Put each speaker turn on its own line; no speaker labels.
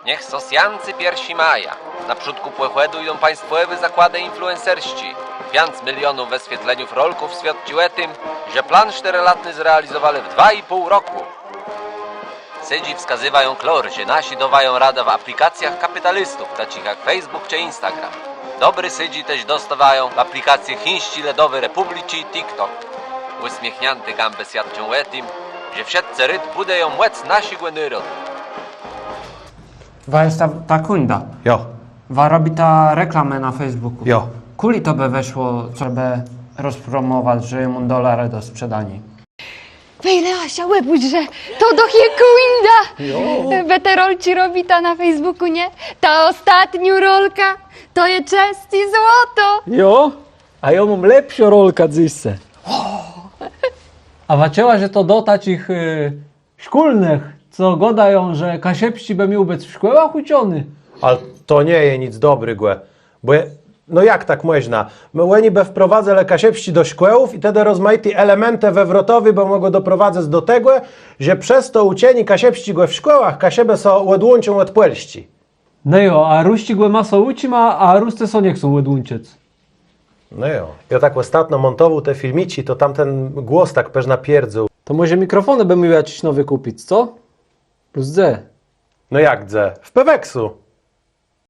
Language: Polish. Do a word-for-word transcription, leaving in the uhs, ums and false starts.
Niech sosjancy piersi maja. Naprzód płechłedu idą państwowe zakłady influencerści. Piąc milionów wyświetleniów rolków świadczyły tym, że plan czteroletni zrealizowali w dwa i pół roku. Sydzi wskazywają klor, że nasi dowają radę w aplikacjach kapitalistów, takich jak Facebook czy Instagram. Dobry sydzi też dostawają w aplikacje chińści ledowy Republiki i TikTok. Uśmiechnięty gambę świadczą tym, że wszyscy ryd budeją łec nasi głędyrod.
Wa jest ta, ta kunda.
Jo,
Wa robi ta reklamę na Facebooku.
jo.
Kuli to by weszło, żeby rozpromować, że mu dolary do sprzedania.
Wejle Asia łebuć, że to do Hiekuinda! Beterol ci robi ta na Facebooku, nie? Ta ostatnia rolka to je czest i złoto!
Jo, a ja mam lepszą rolkę dzisse. A wacięła, że to do takich y, szkolnych, co godają, że kasiepści by miał być w szkołach uczony.
Ale to nie je nic dobry, głe. Bo je, no jak tak można? My łeni be wprowadzę lekasiepści do szkółów i wtedy rozmaite elementy wewrotowe, bo mogą doprowadzać do tego, że przez to ucieni kasiepści głe w szkołach, kasiebe są łedłącią łedpłelści.
No jo, a ruści głę maso ucima, a ruste so nie chcą łedłunczec.
No jo. Ja tak ostatnio montował te filmici, to tamten głos tak peż napierdził.
To może mikrofony by miał jakiś nowy kupić, co? Plus D.
No jak dze? W Peweksu.